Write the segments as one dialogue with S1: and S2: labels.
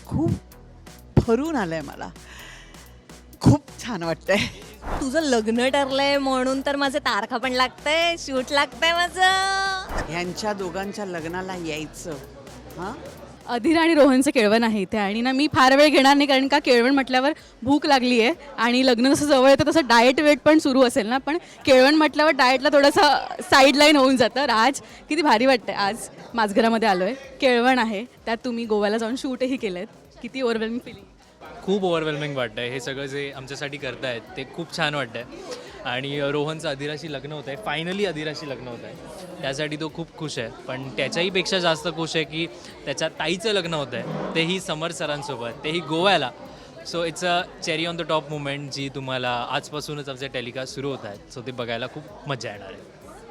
S1: खूप भरून आलंय मला. खूप छान वाटतंय.
S2: तुझं लग्न ठरलंय म्हणून तर माझे तारखा पण लागतंय, शूट लागतंय माझं.
S1: ह्यांच्या दोघांच्या लग्नाला यायचं. हां,
S3: अधीर आणि रोहनचं केळवण आहे इथे आणि ना मी फार वेळ घेणार नाही कारण का केळवण म्हटल्यावर भूक लागली आहे आणि लग्न जसं जवळ येतं तसं डाएट वेट पण सुरू असेल ना, पण केळवण म्हटल्यावर डाएटला थोडंसं साईडलाईन होऊन जातं. राज, किती भारी वाटतंय. आज माझघरामध्ये आलो आहे, केळवण आहे, त्यात तुम्ही गोव्याला जाऊन शूटही केलं आहे. किती ओव्हरवेल्मिंग फिलिंग?
S4: खूप ओव्हरवेल्मिंग वाटतं आहे. हे सगळं जे आमच्यासाठी करतायत ते खूप छान वाटतं आहे. आणि रोहनचं अधीराशी लग्न होतं आहे, फायनली अधीराशी लग्न होतं आहे, त्यासाठी तो खूप खुश आहे. पण त्याच्याहीपेक्षा जास्त खुश आहे की त्याच्या ताईचं लग्न होतं आहे, तेही समर सरांसोबत, तेही गोव्याला. So it's a cherry on the top moment जी तुम्हाला आजपासूनच आमचे टेलिकास्ट सुरू होत आहेत. सो ते बघायला खूप मजा येणार आहे.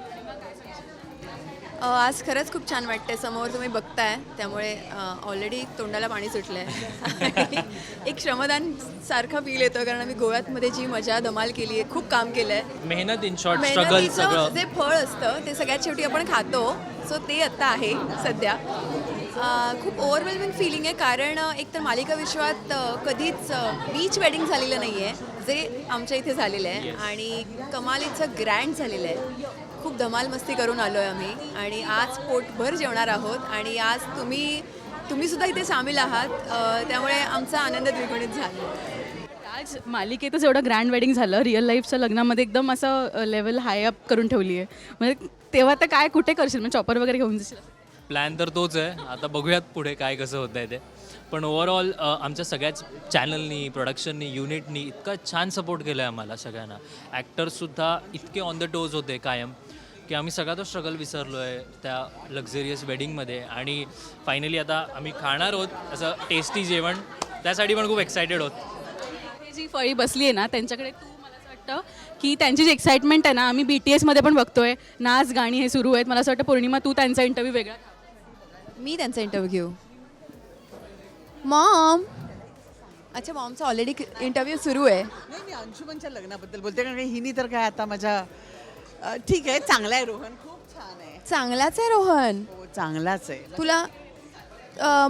S5: आज खरंच खूप छान वाटतंय. समोर तुम्ही बघताय त्यामुळे ऑलरेडी तोंडाला पाणी सुटलंय. एक श्रमदान सारखा फील येतो कारण आम्ही गोव्यामध्ये जी मजा धमाल केली आहे, खूप काम केलंय.
S4: मेहनत इन शॉर्ट, स्ट्रगल
S5: मेहनतीचं
S4: सगळं.
S5: जे फळ असतं ते सगळ्यात शेवटी आपण खातो. सो ते आता आहे सध्या. खूप ओव्हरवेल्मिंग फिलिंग आहे कारण एकतर मालिका विश्वात कधीच बीच वेडिंग झालेलं नाही आहे, जे आमच्या इथे झालेलं आहे. आणि कमालीचं ग्रँड झालेलं आहे. खूप धमाल मस्ती करून आलो आहे आम्ही आणि आज पोटभर जेवणार आहोत. आणि आज तुम्ही सुद्धा इथे सामील आहात, त्यामुळे आमचा आनंद द्विगुणित झाला.
S3: आज मालिकेतच एवढं ग्रँड वेडिंग झालं, रिअल लाईफच्या लग्नामध्ये एकदम असं लेवल हाय अप करून ठेवली आहे. म्हणजे तेव्हा तर काय कुठे करशील, म्हणजे चॉपर वगैरे घेऊन जाशील?
S4: प्लॅन तर तोच आहे. आता बघूयात पुढे काय कसं होतं आहे ते. पण ओव्हरऑल आमच्या सगळ्याच चॅनलनी, प्रोडक्शननी, युनिटनी इतका छान सपोर्ट केला आहे आम्हाला सगळ्यांना. ॲक्टर्ससुद्धा इतके ऑन द टोज होते कायम की आम्ही सगळा तो स्ट्रगल विसरलो आहे त्या लक्झरियस वेडिंगमध्ये. आणि फायनली आता आम्ही खाणार आहोत असं टेस्टी जेवण, त्यासाठी पण खूप एक्सायटेड आहोत.
S3: ही जी फळी बसली आहे ना त्यांच्याकडे, तू मला असं वाटतं की त्यांची जी एक्साइटमेंट आहे ना, आम्ही BTSमध्ये पण बघतोय, नाच गाणी हे सुरू आहेत. मला असं वाटतं पौर्णिमा तू त्यांचा इंटरव्ह्यू वेगळा घ्या.
S5: मी त्यांचा इंटरव्ह्यू घेऊ. मॉम, अच्छा मॉमचा ऑलरेडी इंटरव्ह्यू सुरू आहे.
S1: नाही, मी अंशुमनच्या लग्नाबद्दल बोलते कारण हिनी तर काय आता माझ्या ठीक आहे, चांगला आहे रोहन, खूप छान आहे.
S5: चांगलाच आहे रोहन.
S1: हो, चांगलाच आहे.
S5: तुला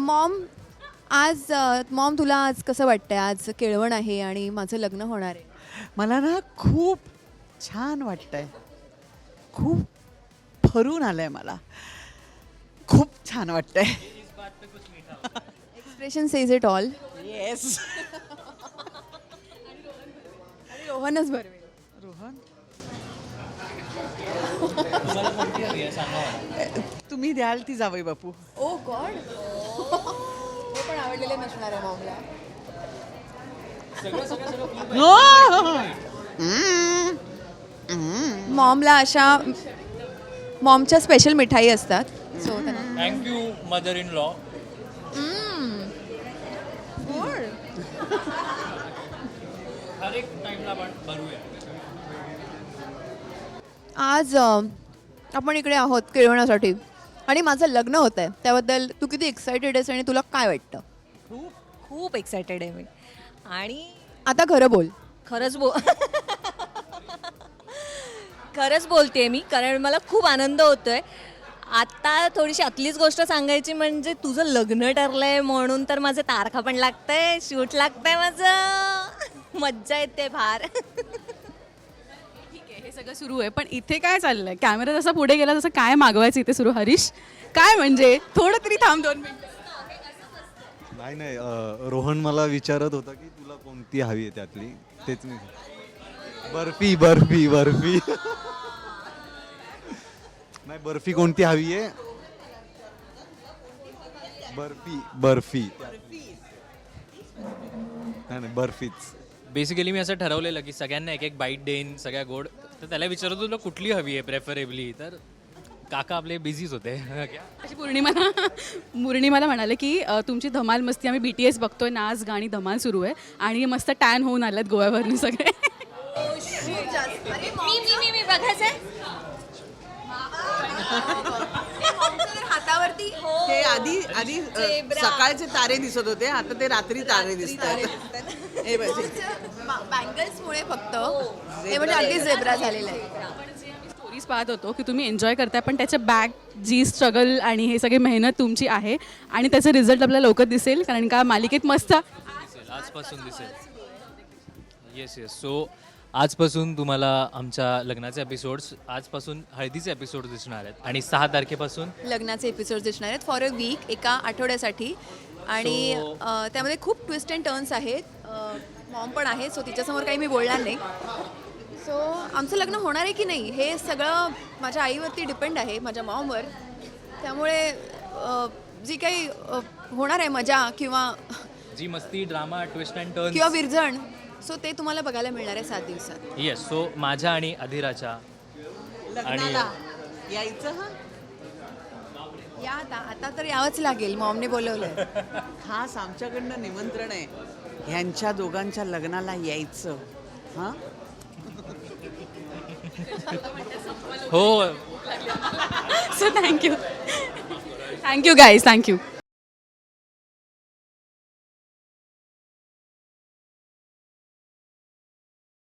S5: मॉम तुला आज कसं वाटतंय? आज केळवण आहे आणि माझं लग्न होणार आहे.
S1: मला ना खूप छान वाटतंय. खूप भरून आलंय मला. खूप छान वाटतंय.
S5: Expression says it all.
S1: Yes.
S5: आणि रोहनच बरवेल.
S1: रोहन, तुम्ही द्याल ती जावई बापू.
S5: ओ गॉड. हे पण आवडलेले नसणार आहे मॉमला. मॉमला अशा मॉमच्या स्पेशल मिठाई असतात. So
S4: thank you mother in law. हर एक टाईमला आपण भरूया.
S5: आज आपण इकडे आहोत केळवण्यासाठी आणि माझं लग्न होत आहे. त्याबद्दल तू किती एक्सायटेड आहेस आणि तुला काय वाटतं?
S2: खूप एक्सायटेड आहे मी. आणि
S5: आता खरं बोल.
S2: खरंच बोलते मी कारण मला खूप आनंद होतोय. आता थोडीशी आतलीच गोष्ट सांगायची म्हणजे तुझं लग्न ठरलंय म्हणून तर माझे तारखा पण लागतंय, शूट लागतंय माझं. मज्जा येते फार.
S3: ठीक आहे, हे सगळं सुरू आहे, पण इथे काय चाललंय? कॅमेरा जसा पुढे गेला तसं काय मागवायचं इथे सुरू? हरीश, काय म्हणजे थोडं तरी थांब 2 मिनिटं.
S6: नाही रोहन मला विचारत होता की तुला कोणती हवी आहे त्यातली. तेच मी बर्फी बर्फी बर्फी नाही, बर्फी कोणती हवी आहे? बर्फी बर्फी नाही बर्फीच.
S4: बेसिकली मी असं ठरवलेलं की सगळ्यांना एक एक बाईट देईन, सगळ्या गोड. तर त्याला विचारत तुला कुठली हवी आहे प्रेफरेबली, तर काका आपले बिझीच होते.
S3: अशी पौर्णिमाला म्हणाले की तुमची धमाल मस्ती आम्ही BTS बघतोय, नाच गाणी धमाल सुरू आहे आणि मस्त टॅन होऊन आल्यात गोव्यावरून सगळे.
S2: मी बघायचंय
S5: हातावरती
S1: ते आधी सकाळचे तारे दिसत होते, आता ते रात्री तारे दिसतात. हे बघ,
S5: बँगल्समुळे फक्त हे म्हणजे अगदी झेब्रा झालेलं आहे.
S3: स्टोरीज पाहत होतो की तुम्ही एन्जॉय करताय, पण त्याच्या बॅक जी स्ट्रगल आणि हे सगळी मेहनत तुमची आहे आणि त्याचा रिझल्ट आपल्याला लवकर दिसेल, कारण का मालिकेत मस्त
S4: दिसेल, आजपासून दिसेल. Yes yes. सो आजपासून तुम्हाला आमच्या लग्नाचे एपिसोड्स, आजपासून हळदीचे एपिसोड दिसणार आहेत आणि 6 तारखेपासून
S5: लग्नाचे एपिसोड दिसणार आहेत फॉर अ वीक, एका आठवड्यासाठी. आणि त्यामध्ये खूप ट्विस्ट अँड टर्न्स आहेत. मॉम पण आहे, सो तिच्यासमोर काही मी बोलणार नाही. सो आमचं लग्न होणार आहे की नाही हे सगळं माझ्या आईवरती डिपेंड आहे, माझ्या मॉमवर. त्यामुळे जी काही होणार आहे मजा किंवा
S4: जी मस्ती, ड्रामा, ट्विस्ट अँड टर्न
S5: किंवा विरजण, सो ते तुम्हाला बघायला मिळणार आहे 7 दिवसात.
S4: येस. सो माझ्या आणि अधिराच्या
S1: लग्नाला यायचं हा
S5: या आता तर यावंच लागेल, मॉमने बोलवलं.
S1: खास आमच्याकडनं निमंत्रण आहे ह्यांच्या दोघांच्या लग्नाला यायचं. हां
S4: हो
S3: सो थँक्यू गाईज, थँक्यू.